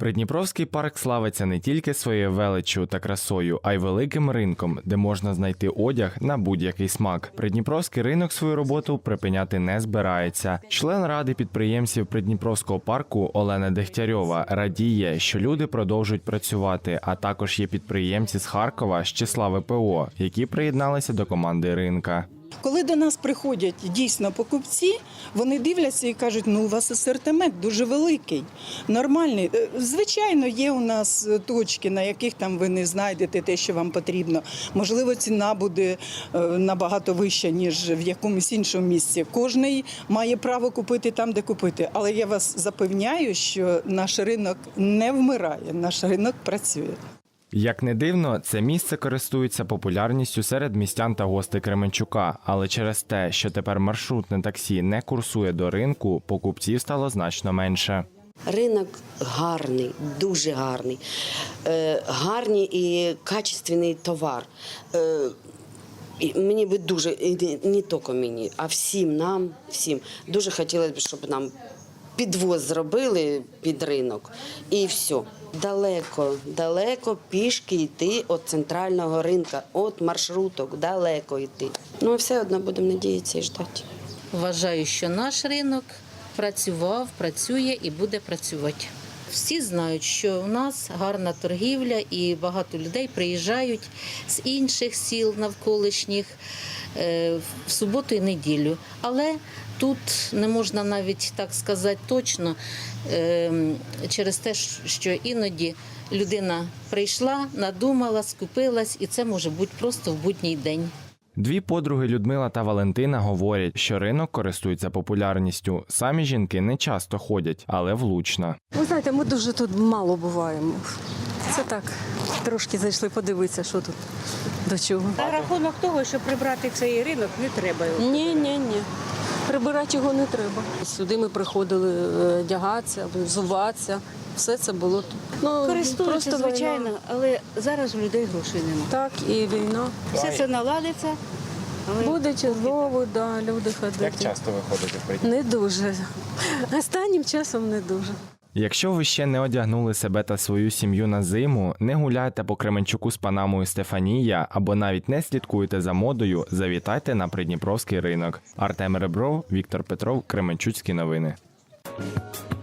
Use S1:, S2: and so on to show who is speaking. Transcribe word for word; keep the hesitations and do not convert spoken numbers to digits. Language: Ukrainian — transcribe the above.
S1: Придніпровський парк славиться не тільки своєю величчю та красою, а й великим ринком, де можна знайти одяг на будь-який смак. Придніпровський ринок свою роботу припиняти не збирається. Член ради підприємців Придніпровського парку Олена Дегтярьова радіє, що люди продовжують працювати, а також є підприємці з Харкова з числа ве пе о, які приєдналися до команди ринка.
S2: Коли до нас приходять дійсно покупці, вони дивляться і кажуть, ну у вас асортимент дуже великий, нормальний. Звичайно, є у нас точки, на яких там ви не знайдете те, що вам потрібно. Можливо, ціна буде набагато вища, ніж в якомусь іншому місці. Кожний має право купити там, де купити. Але я вас запевняю, що наш ринок не вмирає, наш ринок працює.
S1: Як не дивно, це місце користується популярністю серед містян та гостей Кременчука, але через те, що тепер маршрутне таксі не курсує до ринку, покупців стало значно менше.
S3: Ринок гарний, дуже гарний, е, гарний і качественний товар. Е, і мені би дуже, і не тільки мені, а всім нам, всім, дуже хотілося б, щоб нам підвоз зробили під ринок і все. Далеко, далеко пішки йти від центрального ринка, від маршруток, далеко йти. Ну, все одно будемо надіятися і ждати.
S4: Вважаю, що наш ринок працював, працює і буде працювати. Всі знають, що у нас гарна торгівля і багато людей приїжджають з інших сіл навколишніх в суботу і неділю. Але тут не можна навіть так сказати точно, через те, що іноді людина прийшла, надумала, скупилась, і це може бути просто в будній день.
S1: Дві подруги Людмила та Валентина говорять, що ринок користується популярністю. Самі жінки не часто ходять, але влучно.
S5: Ви знаєте, ми дуже тут мало буваємо. Це так, трошки зайшли подивитися, що тут, до чого.
S6: На рахунок того, що прибрати цей ринок, не треба його.
S5: Ні, ні, ні. Прибирати його не треба. Сюди ми приходили одягатися, взуватися. Все це було тут. Ну,
S6: користуються,
S5: просто
S6: звичайно,
S5: війна.
S6: Але зараз у людей грошей немає.
S5: Так, і війна.
S6: Все це наладиться. Але...
S5: Буде знову, да, люди ходити.
S1: Як часто ви ходите в Придніпро?
S5: Не дуже. Останнім часом не дуже.
S1: Якщо ви ще не одягнули себе та свою сім'ю на зиму, не гуляйте по Кременчуку з Панамою Стефанія або навіть не слідкуєте за модою, завітайте на Придніпровський ринок. Артем Ребров, Віктор Петров, Кременчуцькі новини.